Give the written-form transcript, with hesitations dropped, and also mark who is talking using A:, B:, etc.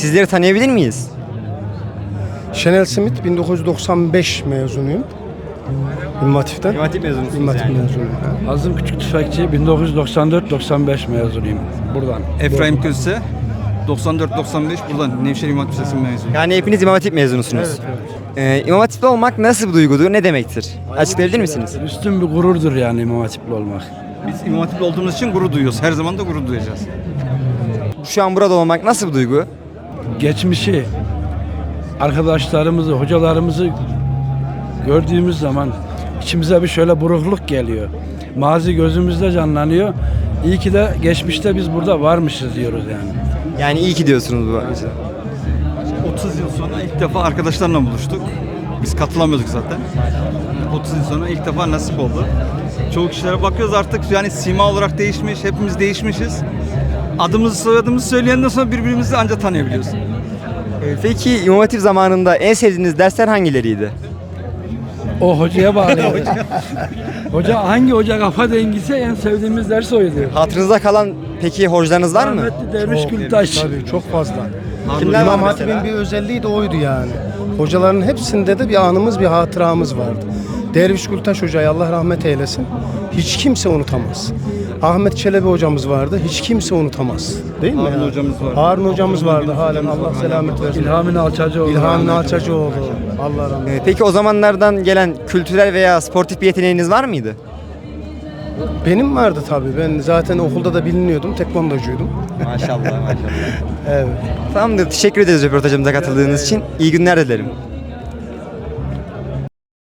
A: Sizleri tanıyabilir miyiz?
B: Şenel Simit, 1995 mezunuyum. İmam Hatip'ten.
A: İmam Hatip mezunusunuz
B: İmam Hatip
A: yani.
B: mezunuyum.
C: Azım Küçük Tüfekçi 1994-95 mezunuyum buradan.
D: Efraim Közse 94-95 buradan Nevşehir İmam Hatip Lisesi mezunuyum.
A: Yani hepiniz İmam Hatip mezunusunuz. İmam Hatipli olmak nasıl bir duygudur, ne demektir? Açıklayabilir misiniz?
C: Üstün bir gururdur yani İmam Hatipli olmak.
D: Biz İmam Hatipli olduğumuz için gurur duyuyoruz. Her zaman da gurur duyacağız.
A: Şu an burada olmak nasıl bir duygu?
C: Geçmişi, arkadaşlarımızı, hocalarımızı gördüğümüz zaman içimize bir şöyle burukluk geliyor. Mazi gözümüzde canlanıyor. İyi ki de geçmişte biz burada varmışız diyoruz yani.
A: Yani iyi ki diyorsunuz bu açıdan.
D: 30 yıl sonra ilk defa arkadaşlarla buluştuk. Biz katılamıyorduk zaten. 30 yıl sonra ilk defa nasip oldu. Çoğu kişilere bakıyoruz artık yani sima olarak değişmiş, hepimiz değişmişiz. Adımızı soyadımızı söyleyenden sonra birbirimizi ancak tanıyabiliyoruz.
A: Peki İmam Hatip zamanında en sevdiğiniz dersler hangileriydi?
C: O hocaya bağlı. Hoca hangi hoca kafa dengiyse en sevdiğimiz ders oydu.
A: Hatırınızda kalan peki hocalarınız var mı?
C: Rahmetli Derviş Gültaş.
B: Tabii çok fazla.
A: Kimler var
B: İmam
A: mesela?
B: Hatip'in bir özelliği de oydu yani. Hocaların hepsinde de bir anımız, bir hatıramız vardı. Derviş Gültaş Hoca'yı Allah rahmet eylesin. Hiç kimse unutamaz. Ahmet Çelebi hocamız vardı. Hiç kimse unutamaz. Değil mi?
D: Harun
B: yani?
D: hocamız vardı.
B: Harun hocamız vardı halen. Allah selamet versin.
C: İlhami Alçacıoğlu.
B: İlhami Alçacıoğlu. Allah rahmet eylesin.
A: Peki o zamanlardan gelen kültürel veya sportif bir yeteneğiniz var mıydı?
B: Benim vardı tabii. Ben zaten okulda da biliniyordum. Tekvandocuydum.
A: Maşallah maşallah.
B: Evet.
A: Tamamdır. Teşekkür ederiz röportajımıza katıldığınız için. İyi günler dilerim.